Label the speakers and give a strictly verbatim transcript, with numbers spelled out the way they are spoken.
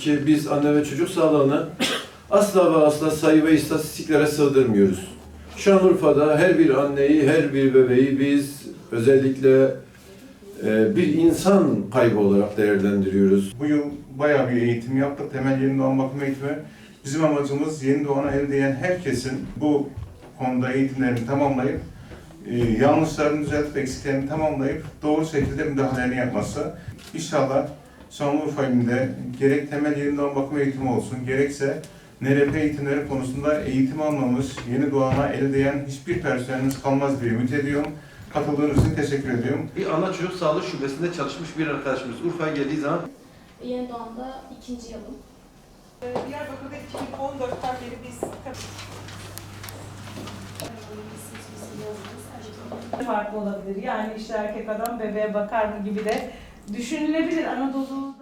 Speaker 1: ki biz anne ve çocuk sağlığını asla ve asla sayı ve istatistiklere sığdırmıyoruz. Şanlıurfa'da her bir anneyi, her bir bebeği biz özellikle e, bir insan kaybı olarak değerlendiriyoruz.
Speaker 2: Bu yıl bayağı bir eğitim yaptık. Temel yeni doğan bakım eğitimi. Bizim amacımız yeni doğana el değen herkesin bu konuda eğitimlerini tamamlayıp, e, yanlışlarını düzeltip, eksiklerini tamamlayıp doğru şekilde müdahalelerini yapması. İnşallah Şanlıurfa ilinde gerek temel yeni doğan bakım eğitimi olsun, gerekse N R P eğitimleri konusunda eğitim almamış, yeni doğana el değen hiçbir personelimiz kalmaz diye ümit ediyorum. Katıldığınız için teşekkür ediyorum.
Speaker 1: Bir ana çocuk sağlığı şubesinde çalışmış bir arkadaşımız Urfa'ya geldiği zaman
Speaker 3: Yeni doğanda ikinci yılım.
Speaker 4: Diyarbakır'da iki bin on dörtten beri biz
Speaker 5: farklı olabilir. Yani işte erkek adam bebeğe bakar mı gibi de düşünülebilir. Anadolu'da